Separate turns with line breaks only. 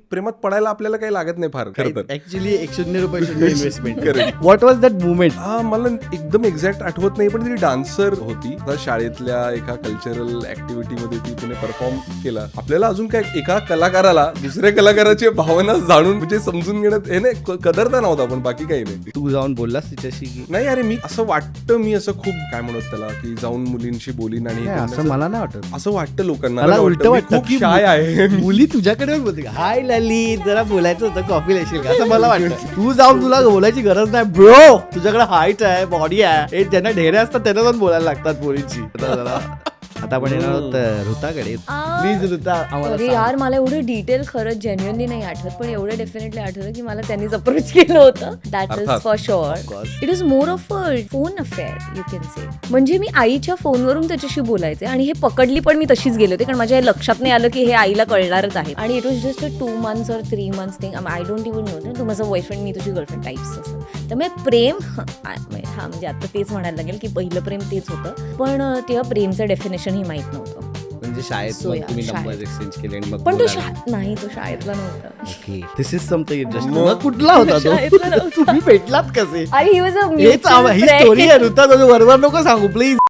प्रेमात पडायला आपल्याला काही लागत नाही फार खरं तर.
ऍक्च्युली 100 रुपये investment. What was that movement?
हा मला एकदम एक्झॅक्ट आठवत नाही, पण ती डान्सर होती शाळेतल्या एका कल्चरल ऍक्टिव्हिटी मध्ये ती तिने परफॉर्म केला. आपल्याला अजून काय एका कलाकाराला दुसऱ्या कलाकाराची भावना जाणून म्हणजे समजून घेण्यात हे नाही कदरता नव्हता, पण बाकी काही नाही.
तू जाऊन बोललास तिच्याशी की
नाही अरे मी असं वाटतं, मी असं खूप काय म्हणत त्याला की जाऊन मुलींशी बोलीन आणि
नाही, असं मला नाही वाटत.
असं वाटतं लोकांना.
मला उलट वाटतं
खूप
की
शाय आहे.
मुली तुझ्याकडे बोलते हाय ललित जरा बोलायचं होतं कॉफी येशील का, असं मला वाटतं. तू जाऊन तुला बोलायची गरज नाही ब्रो, तुझ्याकडे हाईट आहे बॉडी आहे, हे ज्यांना ढेरे असतात त्यांना जाऊन बोलायला लागतात मुलींची. आता आपण येणार आहोत ऋताकडे. प्लीज ऋता आम्हाला
अरे
सांग.
यार मला एवढं डिटेल खरंच जेन्युअनली नाही आठवत, पण एवढं डेफिनेटली आठवतं की मला त्यांनीच अप्रोच केलं होतं. दॅट इज
अर्थात.
For sure. It is more of a phone affair you can say. म्हणजे मी आईच्या फोनवरून त्याच्याशी बोलायचे आणि हे पकडली पण मी तशीच गेले होते, कारण माझ्या हे लक्षात नाही आलं की हे आईला कळणारच आहे. आणि it was just a 2 months or 3 months thing. I don't even know तू माझा बॉयफ्रेंड मी तुझी गर्लफ्रेंड टाईप्स असं. त्यामुळे प्रेम हा म्हणजे आता तेच म्हणायला लागेल की पहिलं प्रेम तेच होतं, पण तेव्हा प्रेमचं डेफिनेशन ही माहित नव्हतं.
म्हणजे शाळेत
So,
मग
yeah,
तुम्ही
शाळेत.
नंबर एक्सचेंज केले आणि मग
पण तो
बोलायला.
नाही, तो शाळेतला नव्हता.
Okay this is something interesting. मग कुठला होता तो?
शाळेतला नव्हता.
तुम्ही भेटलात कसे?
अरे ही वॉज अ
हेच ही स्टोरी आहे ऋता, तुझं बरोबर नको सांगू प्लीज.